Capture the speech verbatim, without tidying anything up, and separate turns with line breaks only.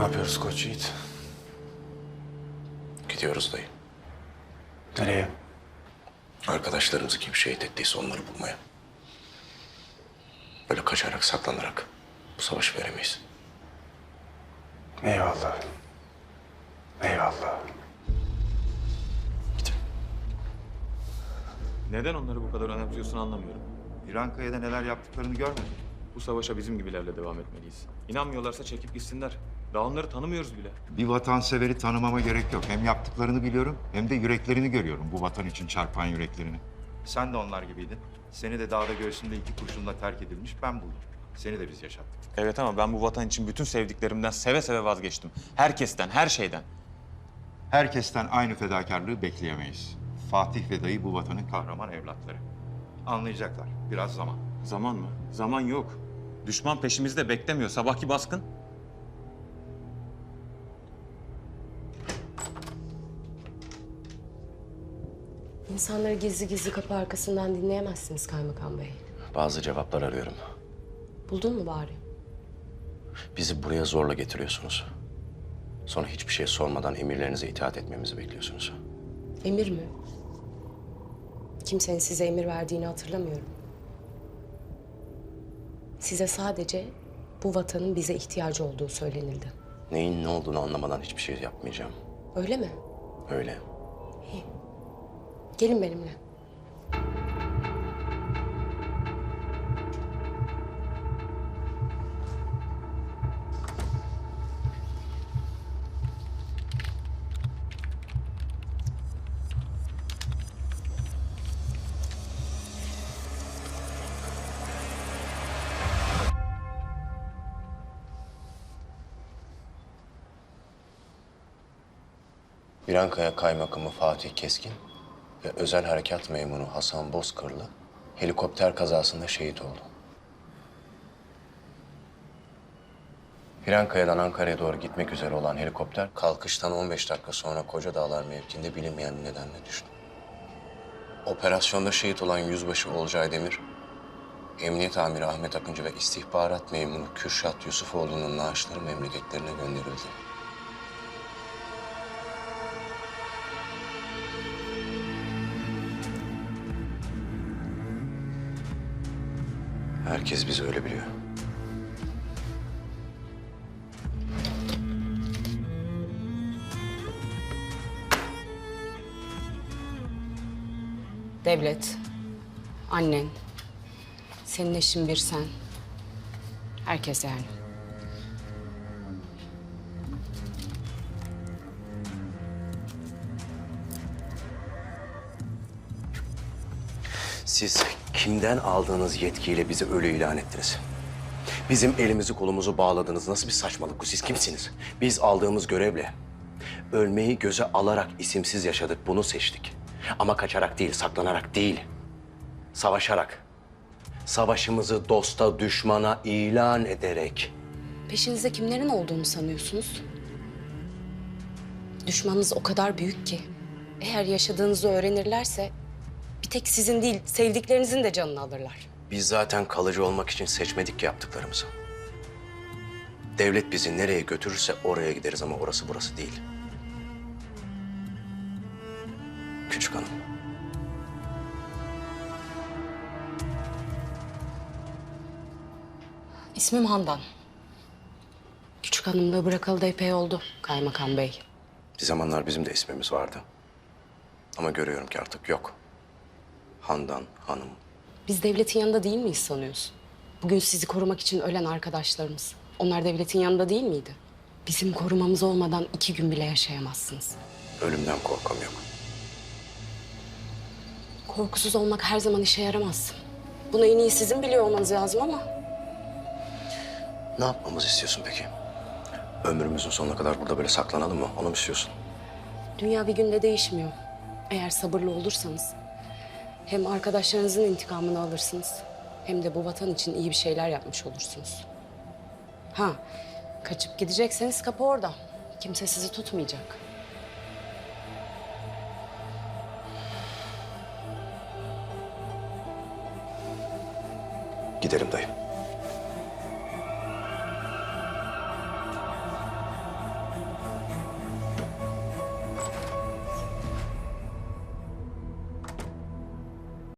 yapıyoruz Koç Yiğit?
Gidiyoruz dayı.
Nereye?
Arkadaşlarımızı kim şehit ettiyse onları bulmaya. Böyle kaçarak, saklanarak bu savaşı veremeyiz.
Eyvallah. Eyvallah.
Gidin.
Neden onları bu kadar önemsiyorsun anlamıyorum.
İrankaya'da neler yaptıklarını görmedin.
Bu savaşa bizim gibilerle devam etmeliyiz. İnanmıyorlarsa çekip gitsinler. Daha onları tanımıyoruz bile.
Bir vatanseveri tanımama gerek yok. Hem yaptıklarını biliyorum hem de yüreklerini görüyorum. Bu vatan için çarpan yüreklerini. Sen de onlar gibiydin. Seni de dağda göğsünde iki kurşunla terk edilmiş ben buldum. Seni de biz yaşattık.
Evet ama ben bu vatan için bütün sevdiklerimden seve seve vazgeçtim. Herkesten, her şeyden.
Herkesten aynı fedakarlığı bekleyemeyiz. Fatih ve dayı bu vatanın kahraman evlatları. Anlayacaklar. Biraz zaman.
Zaman mı? Zaman yok. Düşman peşimizde beklemiyor. Sabahki baskın.
İnsanları gizli gizli kapı arkasından dinleyemezsiniz Kaymakam Bey.
Bazı cevaplar arıyorum.
Buldun mu bari?
Bizi buraya zorla getiriyorsunuz. Sonra hiçbir şey sormadan emirlerinize itaat etmemizi bekliyorsunuz.
Emir mi? Kimsenin size emir verdiğini hatırlamıyorum. Size sadece bu vatanın bize ihtiyacı olduğu söylenildi.
Neyin ne olduğunu anlamadan hiçbir şey yapmayacağım.
Öyle mi?
Öyle.
Gelin benimle.
İrankaya Kaymakamı Fatih Keskin ve Özel Harekat Memuru Hasan Bozkırlı helikopter kazasında şehit oldu. İrankaya'dan Ankara'ya doğru gitmek üzere olan helikopter kalkıştan on beş dakika sonra Koca Dağlar mevkiinde bilinmeyen bir nedenle düştü. Operasyonda şehit olan Yüzbaşı Olcay Demir, Emniyet Amiri Ahmet Akıncı ve İstihbarat Memuru Kürşat Yusufoğlu'nun naaşları memleketlerine gönderildi. Herkes bizi öyle biliyor.
Devlet, annen, senin eşin bir sen. Herkes yani.
Siz kimden aldığınız yetkiyle bizi ölü ilan ettiniz? Bizim elimizi kolumuzu bağladınız. Nasıl bir saçmalık bu? Siz kimsiniz? Biz aldığımız görevle ölmeyi göze alarak isimsiz yaşadık. Bunu seçtik. Ama kaçarak değil, saklanarak değil. Savaşarak. Savaşımızı dosta, düşmana ilan ederek.
Peşinizde kimlerin olduğunu sanıyorsunuz? Düşmanınız o kadar büyük ki eğer yaşadığınızı öğrenirlerse bir tek sizin değil, sevdiklerinizin de canını alırlar.
Biz zaten kalıcı olmak için seçmedik ki yaptıklarımızı. Devlet bizi nereye götürürse oraya gideriz ama orası burası değil. Küçük hanım.
İsmim Handan. Küçük hanımlığı bırakalı da epey oldu Kaymakam Bey.
Bir zamanlar bizim de ismimiz vardı. Ama görüyorum ki artık yok. Handan Hanım.
Biz devletin yanında değil miyiz sanıyorsun? Bugün sizi korumak için ölen arkadaşlarımız. Onlar devletin yanında değil miydi? Bizim korumamız olmadan iki gün bile yaşayamazsınız.
Ölümden korkam yok.
Korkusuz olmak her zaman işe yaramaz. Bunu en iyi sizin biliyor olmanız lazım ama...
Ne yapmamızı istiyorsun peki? Ömrümüzün sonuna kadar burada böyle saklanalım mı? Onu mu istiyorsun?
Dünya bir günde değişmiyor. Eğer sabırlı olursanız hem arkadaşlarınızın intikamını alırsınız hem de bu vatan için iyi bir şeyler yapmış olursunuz. Ha, kaçıp gidecekseniz kapı orada. Kimse sizi tutmayacak.